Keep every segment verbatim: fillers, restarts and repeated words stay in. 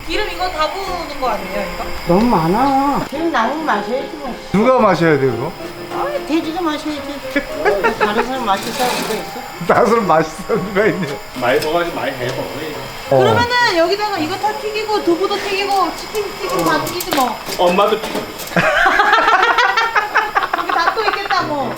기름 이거 다 부는 거 아니에요, 이거? 너무 많아. 기름 남으면 마셔야지 뭐. 누가 마셔야 돼요 그거? 아, 돼지가 마셔야지. 뭐, 다른 사람 마실 사람 누가 있어? 나서는 맛있어 누가 있네. 많이 먹어가지고 많이 해 먹어. 어. 그러면은 여기다가 이거 다 튀기고 두부도 튀기고 치킨 튀기고 다 튀기지 뭐. 엄마도 여기 다 또 있겠다 뭐.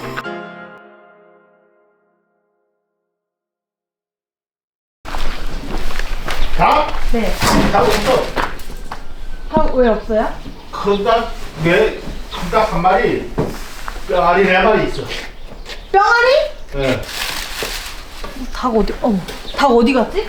닭? 네. 닭 없어. 닭 왜 없어요? 큰 닭, 네, 큰닭 한 마리, 뼈알이 네 마리 있어. 뼈아리? 예. 닭 어디? 어, 닭 어디 갔지?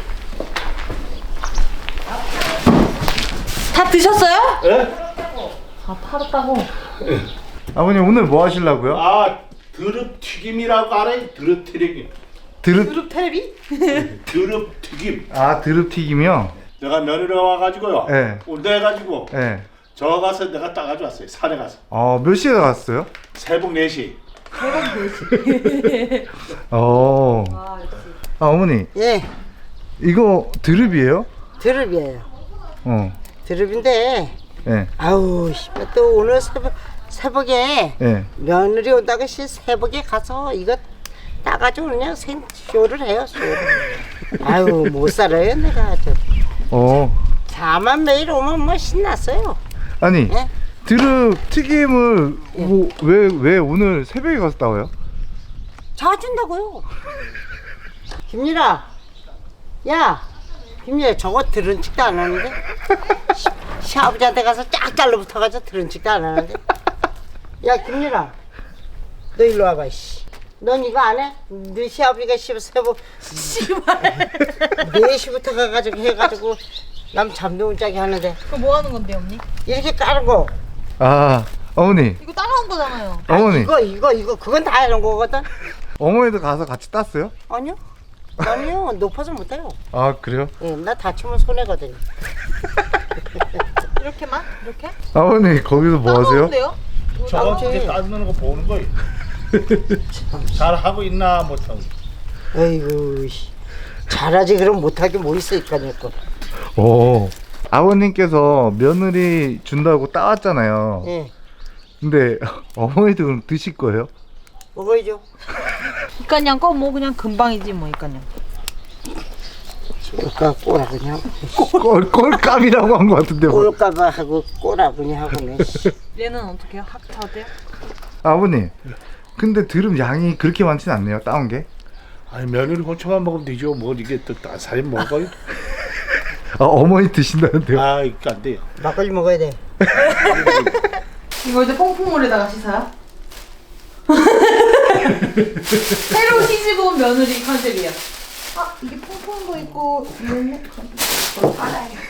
다 드셨어요? 예? 아, 팔았다고. 아버님 오늘 뭐 하시려고요? 아, 드릅 튀김이라고 알아요? 드릅 튀김. 드릅 그룹 텔레비? 드릅 튀김. 아 드릅 튀김이요? 내가 며느리 와가지고요. 네. 온다 해가지고 네. 저 가서 내가 따가지고 왔어요. 산에 가서. 어몇 시에 갔어요? 새벽 네 시. 어. 아, 역시. 아 어머니 예, 이거 드릅이에요? 드릅이에요. 어. 드릅인데, 예. 아우, 씨, 또 오늘 새벽, 새벽에 예. 며느리 온다고 씨 새벽에 가서 이거 따가지고 그냥 생쇼를 해요, 쇼를. 아유, 못 살아요, 내가 아주. 어. 자만 매일 오면 뭐 신났어요. 아니 예? 드릅 튀김을 뭐, 왜, 왜 오늘 새벽에 가서 따와요? 자준다고요. 김일아, 야, 김일아, 저거 들은 척도 안 하는데? 시- 시아버지한테 가서 쫙 잘라붙어가지고 들은 척도 안 하는데? 야, 김일아, 너 일로 와봐, 씨. 넌 이거 안 해? 네 시아버지가 씨, 세보, 씨발. 네 시부터 가가지고 해가지고 남 잠도 못 자게 하는데 그럼 뭐 하는 건데, 언니? 이렇게 까르고 아 어머니 이거 따라온 거잖아요. 어머니 이거 이거 이거 그건 다 해놓은 거거든. 어머니도 가서 같이 땄어요? 아니요, 아니요, 높아서 못해요. 아 그래요? 예, 나 다치면 손해거든요. 이렇게만? 이렇게? 아버님 거기서 뭐 하세요? 따가운데요? 저거 나머지- 이제 따는 거 보는 거예요. 잘 하고 있나 못하고. 에이구, 씨. 잘하지 그럼 못하게 뭐 있어 이까짓 거. 오. 아버님께서 며느리 준다고 따왔잖아요. 예, 근데 어머니도 그럼 드실 거예요? 먹어야죠. 이까냥 거뭐 그냥 금방이지 뭐 이까냥. 꼴까 꼬라 그냥. 꼴, 꼴감이라고 한 것 같은데 뭐. 꼴까봐 하고 꼬라 그냥 하고는. 얘는 어떻게 해요? 학차 어때요? 아버님 근데 드럼 양이 그렇게 많진 않네요 따온 게. 아니 며느리 혼처만 먹으면 되죠. 뭐 이게 또 살이 먹어요? 아 어머니 드신다는데요? 아 이거 안 돼요. 막걸리 먹어야 돼. 이거 이제 퐁퐁물에다가 씻어요? 새로 시집온 며느리 컨셉이야. 아 이게 퐁퐁도 있고 이거는 이거 빨아야겠다.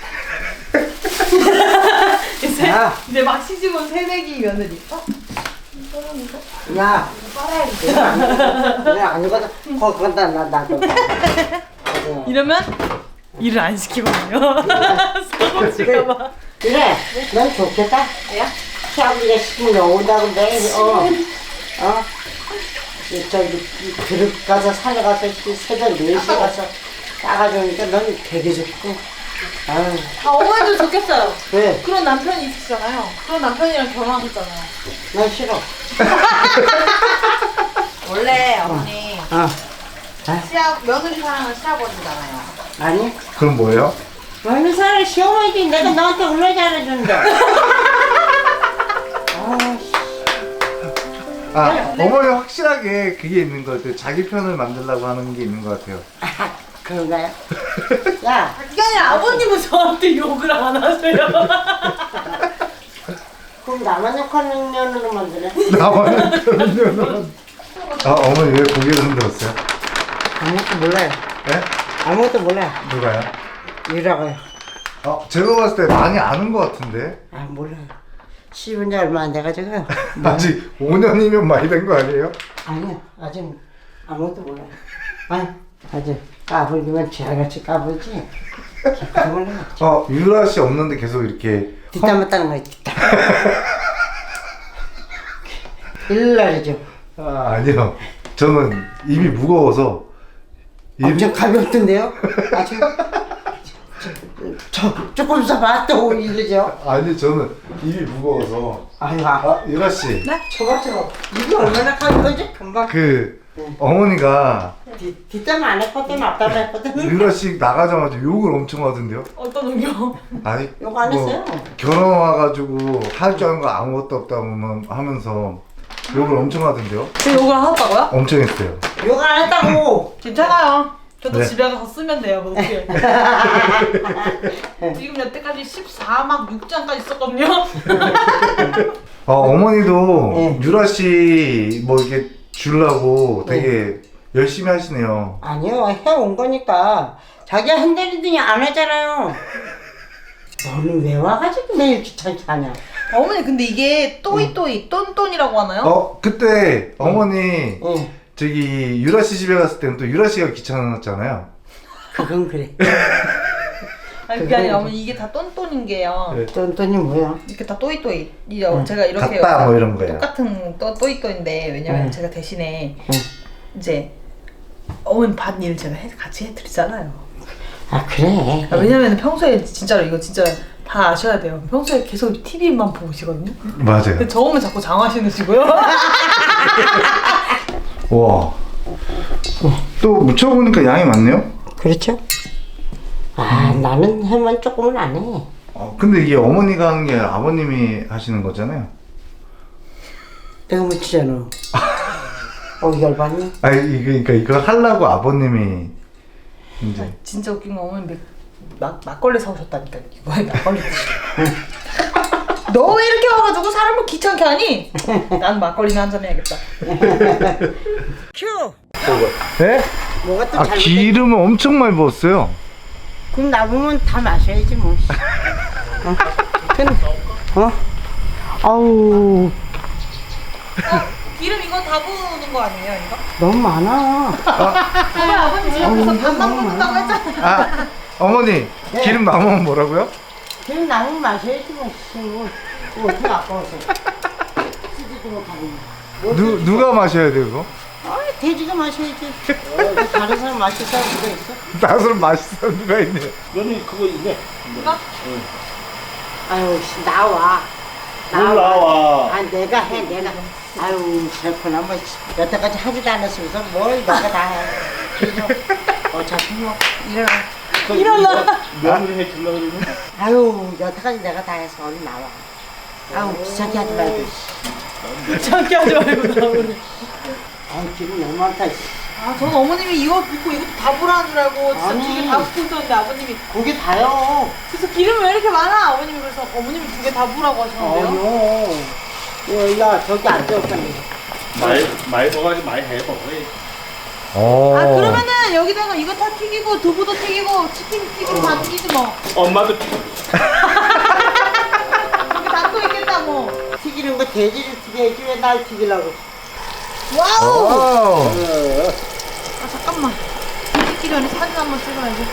이제 야. 이제 막 시집온 새내기 며느리. 어? 이거랑 이거 야, 빨아야겠다. 그래 아니거든. 거기다 나 나도. 이러면 일을 안 시키거든요. 사고칠까봐. 그래, 넌 좋겠다. 야? 시아버지가 시키면 온다고 매일 어, 어. 이 저기 그릇 가서 산에 가서 이 새벽 네 시에 가서 따가주니까 넌 되게 좋고. 아유, 아 어머니도 좋겠어요. 왜? 그런 남편이 있으시잖아요. 그런 남편이랑 결혼하셨잖아요. 난 싫어. 원래 어머니 어, 시아 며느리 사랑은 시아버지잖아요. 아니? 그럼 뭐예요? 어느 사람 시어머니지 내가 너한테 얼마나 잘해준다. 아, 씨. 아 어머니 확실하게 그게 있는 것 같아요. 자기 편을 만들려고 하는 게 있는 것 같아요. 아, 그런가요? 야, 그게 아니라 아버님은 저한테 욕을 안 하세요. 그럼 나만 욕하는 년으로 만드네. 나와는 그런 면은. 아 어머니 왜 고개를 흔들었어요? 아무것도 몰라요. 네? 아무것도 몰라요. 누가요? 이라고요. 어 제가 봤을 때 많이 아는 것 같은데. 아, 몰라요. 씹은 지 얼마 안 돼가지고. 아직 오 년이면 많이 된 거 아니에요? 아니요, 아직 아무것도 몰라요. 아니, 아직 까불기만 쥐알같이 까불지. 깊이 몰라요. 어 유라 씨 없는데 계속 이렇게 뒷담 맞다는 거예요, 뒷담. 일날이죠. 아 아니요 저는 입이 무거워서 입이- 엄청 가볍던데요? 아주 저 조금 있어봐 또 이러죠. 아니 저는 입이 무거워서. 아유 아, 아 유라 씨. 네? 저거 저거 이게 얼마나 큰 거지? 금방 그 어머니가 뒤 뒷담 안 했거든 앞담 했거든. 유라 씨 나가자마자 욕을 엄청 하던데요? 어떤 의견? 아니 욕안 했어요. 결혼 와가지고 할 줄 아는 거 아무것도 없다고만 하면서 욕을 엄청 하던데요? 제 욕을 하셨다고요? 엄청 했어요. 욕 안 했다고. 괜찮아요. 저도 네. 집에 가서 쓰면 돼요, 뭐 어떻게. 지금 여태까지 십사 막 육 장까지 썼거든요. 어, 어머니도 네. 유라 씨 뭐 이렇게 주려고 되게 열심히 하시네요. 아니요 해온 거니까 자기가 흔들리더니 안 하잖아요. 너는 왜 와가지고 매일 귀찮게 하냐. 어머니 근데 이게 또이또이 똔똔이라고 하나요? 어 그때 어머니 응 저기 유라 씨 집에 갔을 때는 또 유라 씨가 귀찮았잖아요. 그건 그래. 아니 그게 아니라 어머니 이게 다 똔똔인 게요. 네. 똔똔이 뭐야? 이렇게 다 또이또이. 이요 제가 이렇게 같다 뭐 이런 거예요. 똑같은 또 또이또인데 왜냐면 응. 제가 대신에 응. 이제 어머니 밭 일을 제가 해, 같이 해드리잖아요. 아 그래. 아, 왜냐면 평소에 진짜로 이거 진짜 다 아셔야 돼요. 평소에 계속 티비만 보시거든요. 맞아요. 근데 저 오면 자꾸 장화 신으시고요. 와. 또 묻혀보니까 양이 많네요. 그렇죠? 아 나는 해만 조금은 안 해. 어, 근데 이게 어머니가 하는 게 아버님이 하시는 거잖아요. 내가 묻히잖아. 어 열받니? 아니 이거 그러니까 이거 하려고 아버님이 이제 진짜 웃긴 건 어머니 막, 막걸리 사오셨다니까. 이거에 막걸리 드시고. 너 왜 이렇게 와가지고 사람을 귀찮게 하니? 난 막걸리나 한잔 해야겠다. 큐. 네? 뭐가 또 아 잘못된? 기름을 엄청 많이 부었어요. 그럼 남으면 다 마셔야지 뭐. 어? 근데 어? 아우 기름 이거 다 부는 거 아니에요, 이거? 너무 많아. 저번에 아버님 집 앞에서 밥만 붓는다고 했잖아요. 아 어머니 기름 남으면 뭐라고요? 그럼 남으면 마셔야지 뭐. 씨, 뭐, 뭐 어떻게 아까워서. 쓰지도 못하고. 뭐 누 어떻게- 누가 마셔야 돼요 그거? 아 돼지가 마셔야지. 어, 다른 사람 마실 사람 누가 있어? 나서는 맛있어 누가 있네요. 너는 그거 있네. 이거? 아유 씨, 나와. 뭘 나와. 아 내가 해 내가. 아유 슬프나 뭐 여태까지 하지도 않았으면서 뭘 내가 다 해. 그래서 어차피 뭐 일어나. 일어나. 며느리 해주려고 그러는? 아유 여태까지 내가 다 해서 얼른 나와. 아유 귀찮게 하지 말고. 귀찮게 하지 말고 나오네. 아유 기분 너무 많다. 씨. 아, 저는 어머님이 이거 붓고 이것도 다 부라는 줄 알고 진짜 아니. 두 개 다 붓고 있었는데 아버님이 고기 다요. 그래서 기름이 왜 이렇게 많아? 아버님이 그래서 어머님이 두 개 다 부라고 하시는데요. 아니요. 야, 야 저기 앉아있었네. 말, 말 먹어야지 많이 해, 먹어. 어. 아 그러면은 여기다가 이거 다 튀기고 두부도 튀기고 치킨 튀기고 다 튀기지 뭐. 엄마도 여기 다 또 있겠다 뭐. 튀기는 거 돼지를 튀겨야지 왜 날 튀기려고. 와우. 와우. 아 잠깐만. 튀기 전에 사진 한번 찍어야지.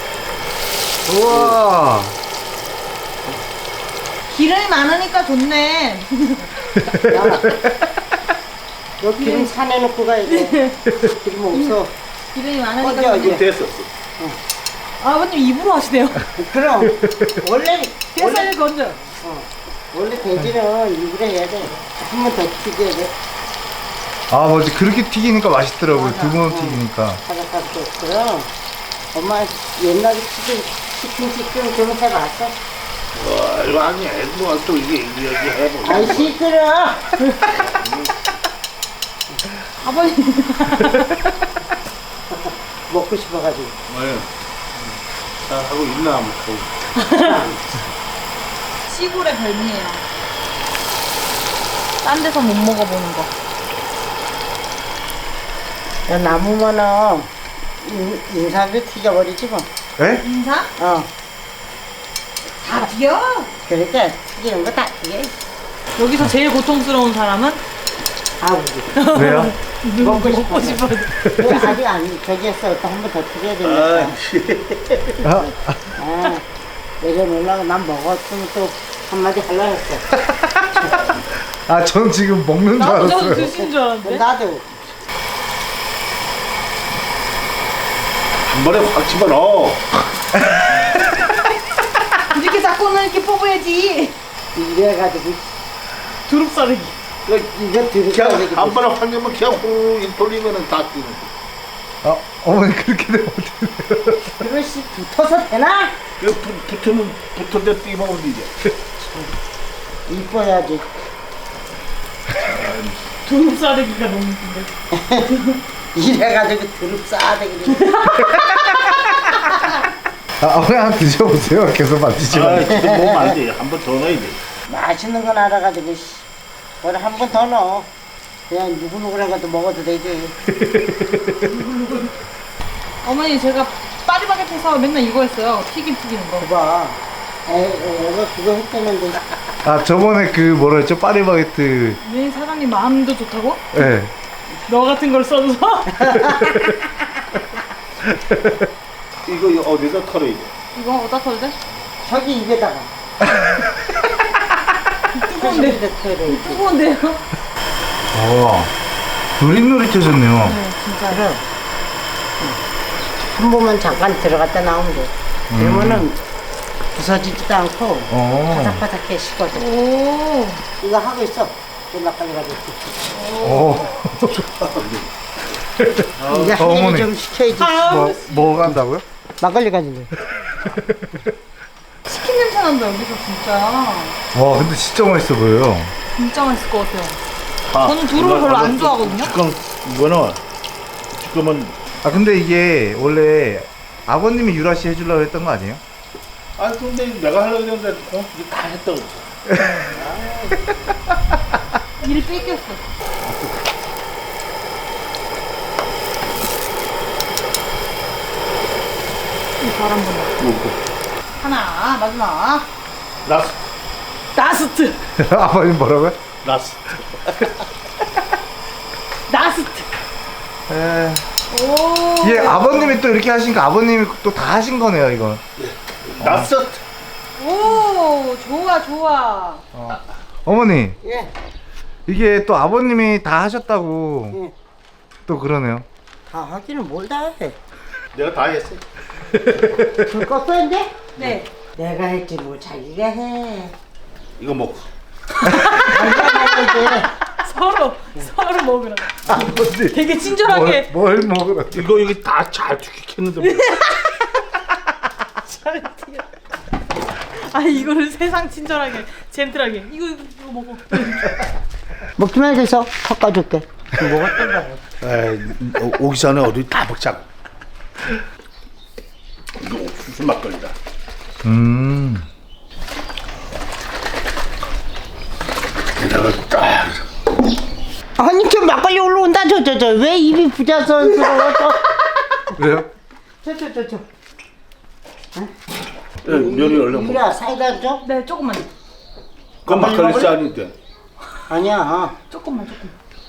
우와. 기름이 많으니까 좋네. 야, 너 기름 사내놓고 가야 돼. 기름 없어. 기름이 많으니까 어디, 좋네. 어디? 됐었어. 아, 아버님 입으로 하시네요. 그럼 원래 원래 뱃살 건져. 어, 원래 돼지는 입으로 해야 돼. 한 번 더 튀겨야 돼. 아 맞지 그렇게 튀기니까 맛있더라고요. 맞아. 두 번 어. 튀기니까. 바삭바삭. 그럼 엄마 옛날에 치킨 치킨 치킨 좀 해봤어? 와, 이거 아니, 애도 또 이게, 이게, 이게 해보고. 아이 시끄러. 아버님. 먹고 싶어가지고. 네. 다 하고 있나, 뭐. 시골의 별미예요. 딴 데서 못 먹어보는 거. 야, 남으면은 인- 인삼도 튀겨버리지 뭐. 에? 인사? 어. 다 튀겨. 그러니까 튀기는 거 다 튀겨. 여기서 제일 고통스러운 사람은 아버지. 왜요? 먹고 먹고 싶어서. 싶어서. 그 아직 안 저기 했어. 또 한 번 더 튀겨야 되니까. 아, 씨. 아, 아, 내려놓으려고 난 먹었으면 또 한마디 하려고 했어. 아, 전 지금 먹는 줄 나도 저도 알았어요. 드신 줄 알았는데. 나도. 한 번에 확 집어넣어. 이래가지고 두릅 싸르기. 이거 이거 들을 그냥 거야. 한 번에 환경만 그냥 훅 돌리면은 다 뛰는 거. 아 어머니 그렇게 되면 어떻게 돼요? 그릇이 붙어서 되나? 이거 붙- 붙으면 붙은데 뛰면 이제. 이뻐야지. 두릅 싸르기가 너무 웃긴데. 이래가지고 드릅 싸대기를. 아 어머니 한번 드셔보세요. 계속 만드시면. 아, 지금 먹으면 안 돼. 한 번 더 넣어야 돼. 맛있는 건 알아가지고 그걸 한 번 더 넣어. 그냥 누구누구랑 것도 먹어도 되지. 어머니 제가 파리바게트에서 맨날 이거 했어요. 튀김 튀기는 거. 봐봐. 에, 애가 그거 했다는데. 아 저번에 그 뭐라 했죠? 파리바게트. 왜 사장님 마음도 좋다고? 예. 네. 너 같은 걸 써줘서? 이거 어디다 털어야 돼? 이거 어디다 털어야 돼? 저기 입에다가. 뜨거운데. 입에 털어. 뜨거운데요? 와 노릿노릿해졌네요. 네, 진짜. 그래. 한 번만 잠깐 들어갔다 나오면 돼. 그러면은 부서지지도 않고 어. 바삭바삭해 식거든. 오. 이거 하고 있어. 끝나까지 가지고. 오. 이제 한 어머니. 일이 좀 시켜야지. 뭐, 뭐 간다고요? 막걸리 가지고. 치킨 냄새 난다 여기서 진짜. 와 근데 진짜 맛있어 보여요. 진짜 맛있을 것 같아요. 아, 저는 두릅을 별로 안 좋아하거든요. 지금 이거는 지금은 아 근데 이게 원래 아버님이 유라씨 해주려고 했던 거 아니에요? 아 근데 내가 하려고 했는데 어, 이거 다 했다고. 일 뺏겼어. 이 바람 분다. 하나 마지막. 라스 나스트. 아버님 뭐라고요? 라스. 나스트. 에... 오. 예 아버님이 또 이렇게 하시니까 아버님이 또 다 하신 거네요 이건. 라스. 오 좋아 좋아. 어머니 예. 이게 또 아버님이 다 하셨다고 예. 또 그러네요. 다 하기는 뭘 다 해. 내가 다 했어. 불 껐어 이제? 네. 내가 했지 뭐 자기가 해. 이거 먹고. 자기가 먹어야지. 서로 서로 먹으라. 아버지 되게 친절하게. 뭘, 뭘 먹으라. 이거 이거 다 잘 튀겼는데 뭐. 잘 튀겨. 아 이거를 세상 친절하게 젠틀하게 이거 이거, 이거 먹어. 먹기만 해서 섞어줄게. 먹었던 거야. 에이, 오- 오기 전에 어디 다 먹자고. 이거 옥수수 막걸리다. 음. 게다가 딱. 아니 저 막걸리 올라온다 저 저 저 왜 입이 부자선스러워 왜요? 저저 저 저 예, 면이 얼른 먹어. 이라 사이다 줘? 네 조금만 그건 막걸리 짠인데. 아니야 조금만 조금.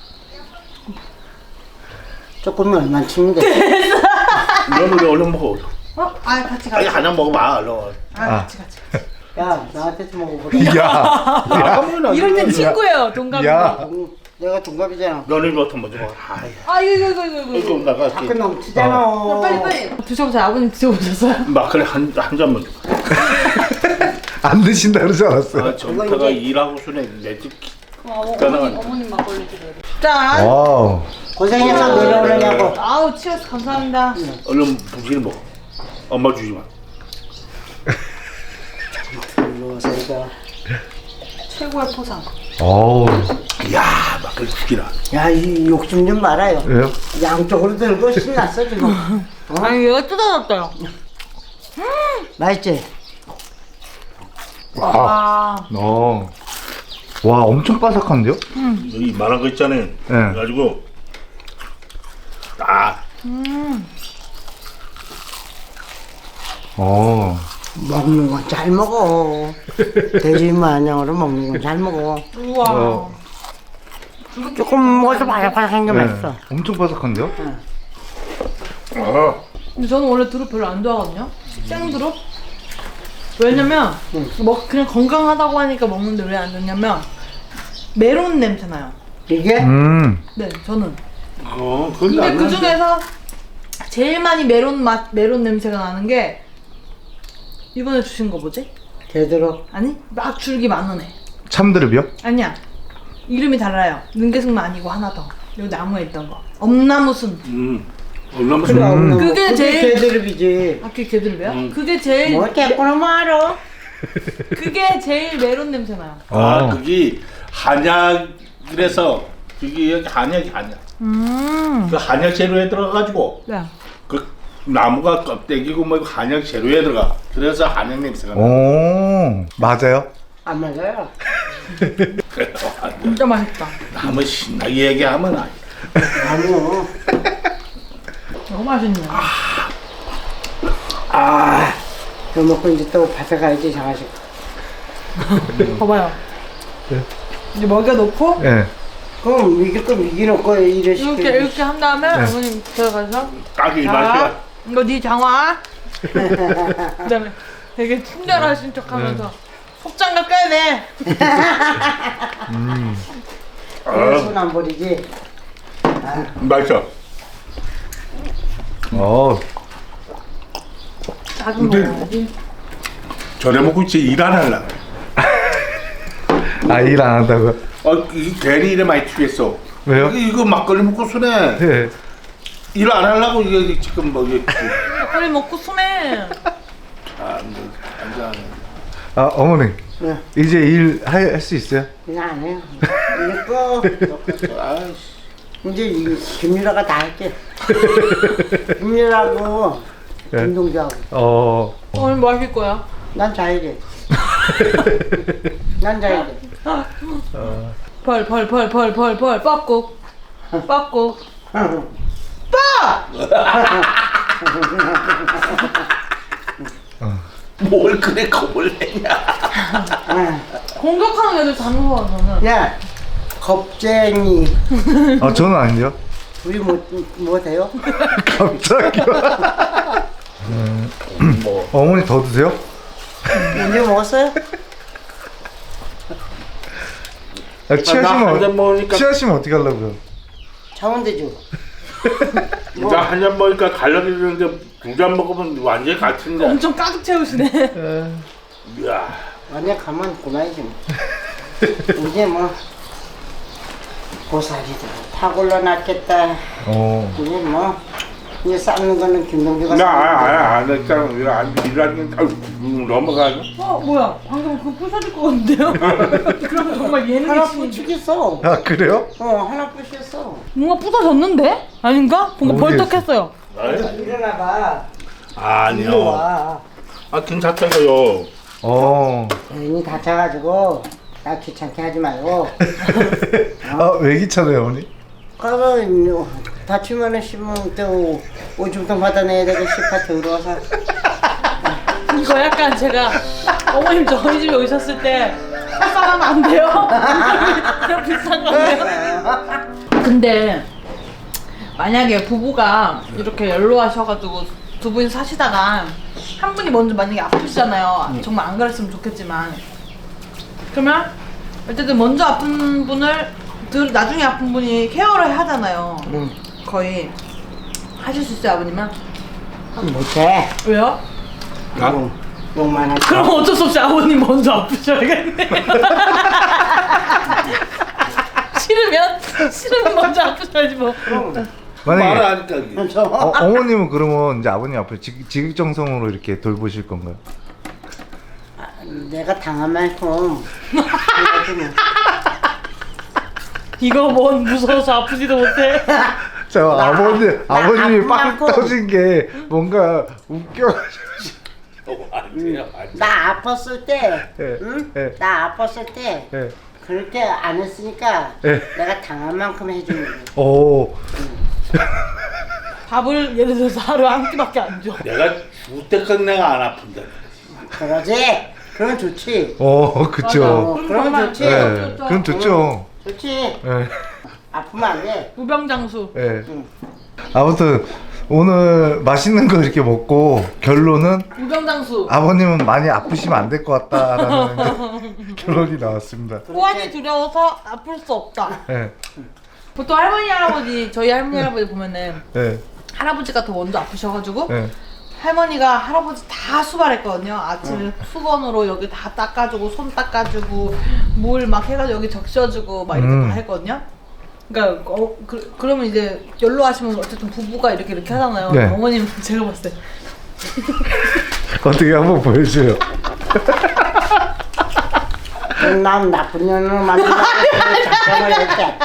조금만 얼마 치면 돼. 면을 얼른 먹어. 어? 아 같이 아니 같이. 하나 먹어봐 얼른. 아 같이 같이. 야 나한테도 먹어보자. 야. 야, 이럴 땐 친구예요 동갑이. 야. 응, 내가 동갑이잖아. 면을 부터 먼저 먹어. 아이, 아 이거 이거 이거 이거. 이거 이거. 나가 자꾸 넘치잖아. 빨리 빨리. 드셔보세요. 아버님 드셔보셨어요? 막걸리 한한 잔 먼저. 안 드신다 그러지 않았어요? 아, 전태가 일하고 순에 내집 어, 가능한- 어머님 어머님 막걸리 드려요. 짠. 와우. 고생해서 내려오려고. 아우 치어스 감사합니다. 얼른 부지를 먹어. 엄마 주지 마. 들어와서 이거. 최고의 포상. 어우. 이야 막걸리 죽이라. 야이 욕심 좀 말아요. 왜요? 양쪽으로 들고 신났어 지금. 아니 얘가 뜯어졌어요. 맛있지? 아. 어. 와 엄청 바삭한데요? 이 말한 거 있잖아요. 그래가지고 딱 어. 먹는 건 잘 먹어. 돼지 마냥으로 먹는 건 잘 먹어. 우와. 어. 조금 먹어도 바삭바삭한 게 네. 맛있어. 엄청 바삭한데요? 어. 근데 저는 원래 두릅 별로 안 좋아하거든요. 생두릅. 왜냐면 뭐 그냥 건강하다고 하니까 먹는데 왜 안 좋냐면 메론 냄새 나요. 이게? 음. 네, 저는. 어, 그건 근데 안 그 나는데. 중에서 제일 많이 메론 맛, 메론 냄새가 나는 게 이번에 주신 거 뭐지? 제대로. 아니 막 줄기 만 원에. 참드릅이요? 아니야. 이름이 달라요. 능계승만 아니고 하나 더. 여기 나무에 있던 거. 엄나무순. 음. 얼마나 그래, 음. 없는 그게 거. 그게 제일- 개드립이지. 아, 그게 개들이야? 음. 그게 제일 뭐 개꾸나 뭐 알아? 그게 제일 메론 냄새 나요. 아, 어. 그게 한약이라서 그게 여기 한약이 한약. 음. 그 한약 재료에 들어가가지고 네. 그 나무가 껍데기고 뭐 한약 재료에 들어가. 그래서 한약 냄새가 나. 오, 맞아요? 안 맞아요. 그래서 한약. 진짜 맛있다. 나무 신나게 얘기하면 아니. 아니요. 너무 맛있네. 아, 이거 먹고 이제 또 밭에 가야지 장아식. 봐봐요. 이제 먹여 놓고 예. 그럼 이게 또 미기 놓고 이래 시켜. 이렇게 이렇게 한 다음에 어머님 들어가서 딱이 자, 맛이야. 이거 네 장화. 그다음에 되게 친절하신 척하면서 속장갑 껴야 돼. 손안 버리지. 맛있어. 어, 작은 근데- 먹어야지. 저래 먹고 이제 일 안 할라. 아, 일 안 한다고? 어, 이 괜히 일에 많이 튀겠어. 왜요? 이거, 이거 막걸리 먹고 순해. 예. 일 안 하려고 이게 지금 뭐 이게 막걸리 먹고 숨해. 아, 뭐 앉아. 아, 어머니. 네. 이제 일 할 수 있어요? 그냥 안 해요. 이제 꺼. 아이씨. 이제 이 김유라가 다 할게. 김유라고 네. 운동도 하고. 어, 오늘 뭐 하실 거야? 난 자야 돼. 난 자야 돼. 벌 벌 벌 벌 벌 벌 뻐꾹 뻐꾹 뭘 그래 겁을 내냐. 공격하는 애들 다 무서워 저는. 야, 겁쟁이. 아, 저는 아니죠. 우리 뭐, 뭐 돼요? 갑자기요? 뭐 어머니 더 드세요? 언제 먹었어요? 아, 나 취하시면, 한 잔 어, 먹으니까 취하시면 어떻게 하려고요? 자원대주. 이제 한 잔 먹으니까 갈라기 되는데 두 잔 먹으면 완전히 같은데. 엄청 가득 채우시네. 이야. 완전 가만 고나이지 뭐. 이제 뭐 고사리들 파골러 놨겠다. 어, 이제 뭐 이제 삶는 거는 김동주가 나안 했잖아. 안 일하는 게 넘어가죠. 어 뭐야 방금 그거 부서질 것 같은데요? 그럼 정말 예능이 하나 신 부추겠어. 아, 그래요? 어, 하나 부추겠어. 뭔가 부서졌는데? 아닌가? 뭔가 어디 벌떡했어요. 일어나봐. 일로 아니요. 와. 아 괜찮다고요. 어, 괜히 다쳐가지고 나 귀찮게 하지 말고. 아, 왜 귀찮아요, 어머니? 그러면 다치면은 씹으면 또 오줌통 받아내야 되고 씨파 더러워서. 이거 약간 제가 어머님 저희 집에 오셨을 때 햇살하면 안 돼요? 그냥 비슷한 건데요? 근데 만약에 부부가 이렇게 연로하셔가지고 두 분이 사시다가 한 분이 먼저 만약에 아프시잖아요. 정말 안 그랬으면 좋겠지만 그러면 어쨌든 먼저 아픈 분을 들- 나중에 아픈 분이 케어를 하잖아요. 응. 거의 하실 수 있어요 아버님은? 못해. 왜요? 나? 욕, 욕만 하지. 그럼 어쩔 수 없이 아버님 먼저 아프셔야겠네. 싫으면 싫으면 먼저 아프셔야지 뭐. 말을 만약에, 하니까 이게. 저 어, 어머님은 그러면 이제 아버님 앞에 지, 지극정성으로 이렇게 돌보실 건가요? 내가 당한 만큼 해야지 뭐. 이거 뭔 무서워서 아프지도 못해. 자, 아버님, 나 아버님이 아픈 빵 만큼. 터진 게 뭔가 웃겨가지고. 아니에요, 아니에요. 나 아팠을 때, 예, 응? 예. 나 아팠을 때 예. 그렇게 안 했으니까 예. 내가 당한 만큼 해주는 거야. 오, 밥을 예를 들어서 하루에 한 끼밖에 안 줘. 내가 죽을 때까지 내가 안 아픈다. 그러지? 그럼 좋지. 어, 그쵸. 어, 그럼 그럼 정말 좋지. 예, 그럼 좋죠. 좋지. 예, 아프면 안 돼. 무병장수. 예. 응. 아무튼 오늘 맛있는 거 이렇게 먹고 결론은 무병장수. 아버님은 많이 아프시면 안 될 것 같다라는 결론이 나왔습니다. 호환이 두려워서 아플 수 없다. 예, 보통 할머니 할아버지 저희 할머니 할아버지 보면은 예, 할아버지가 더 먼저 아프셔가지고 예. 할머니가 할아버지 다 수발했거든요. 아침에 수건으로 여기 다 닦아주고 손 닦아주고 물 막 해가지고 여기 적셔주고 막 이렇게 음. 다 했거든요. 그러니까 어, 그, 그러면 이제 연로하시면 어쨌든 부부가 이렇게 이렇게 하잖아요. 네. 어머님 제가 봤을 때 어떻게 한번 보여줘요. 난 나쁜 년으로 만들라고 작정을 했대.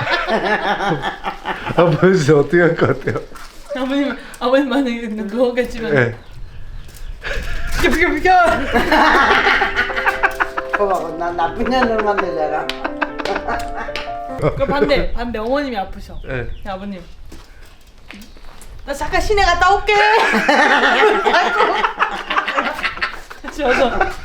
한번 보여주세요. 어떻게 할 것 같아요? 아버님 아버님 만약에 누웠겠지만 네. 비켜 비켜 비켜. 그거 난 나쁜 년으로 만들잖아. 그 반대 반대 어머님이 아프셔. 네. 야, 아버님 나 잠깐 시내 갔다 올게. 같이 와서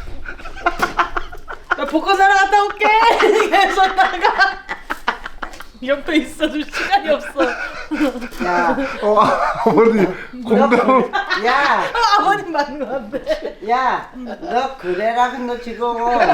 나 복권 사러 갔다 올게. 그래서 나가 옆에 있어줄 시간이 없어. 야, 어, 어머니 공감. 야, 아, 아버님 맞는 거 같아. 야, 너 그래라 너 지금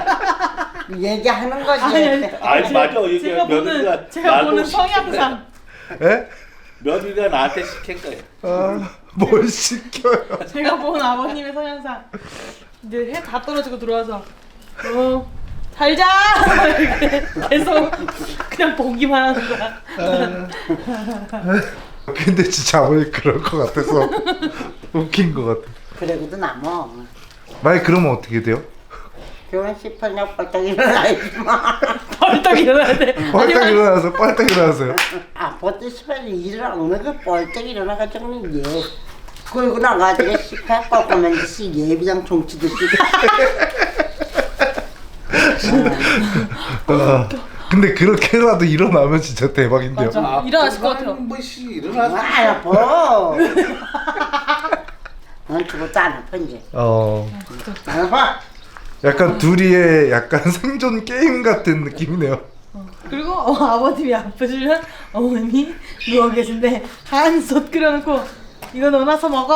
얘기하는 거지. 아니, 아니. 아니 맞아 이게 제가 며느리가 보는 제가 나도 보는 시킨 성향상 에? 며느리가 나한테 시킨 거야. 아, 뭘 시켜요? 제가 보는 아버님의 성향상 이제 해 다 떨어지고 들어와서 어 살자 이렇게 계속 그냥 보기만 하는 거야. 근데 진짜 아버지 그럴 것 같아서 웃긴 것 같아. 그래도 남어. 만약 그러면 어떻게 돼요? 결혼 싶으냐 벌떡 일어나야지 마. 벌떡 일어나야 돼. 빨딱 일어나서 빨딱 일어나서요. 아, 벌떡 싶으면 일어나는 거 벌떡 일어나가지고는 예. 그리고 나가지고 시카 꺾으면 씨 예비장 종치듯이. 아, 근데 그렇게라도 일어나면 진짜 대박인데요. 맞아. 일어나실 것 같아요. 뭐씨 일어나서 아, 아파. 넌 죽었도 안 아파 이제. 어, 안 아파. 약간 둘이의 약간 생존 게임 같은 느낌이네요. 그리고 어, 아버님이 아프시면 어머님이 누워 계신데 한솥 끓여놓고 이거 넣어놔서 먹어.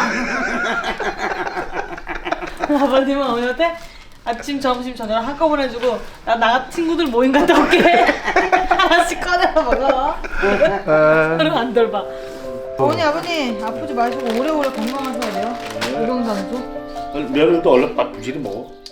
아버님은 어머니한테 아침, 점심, 저녁 한꺼번에 해주고 나 나 친구들 모임 갔다 올게. 하나씩 꺼내서 먹어. 아, 그럼 안 돌봐. 어머니 아버님 아프지 마시고 오래오래 건강하셔야 돼요. 의정장수. 며느리도 얼른 밥 부지리 먹어.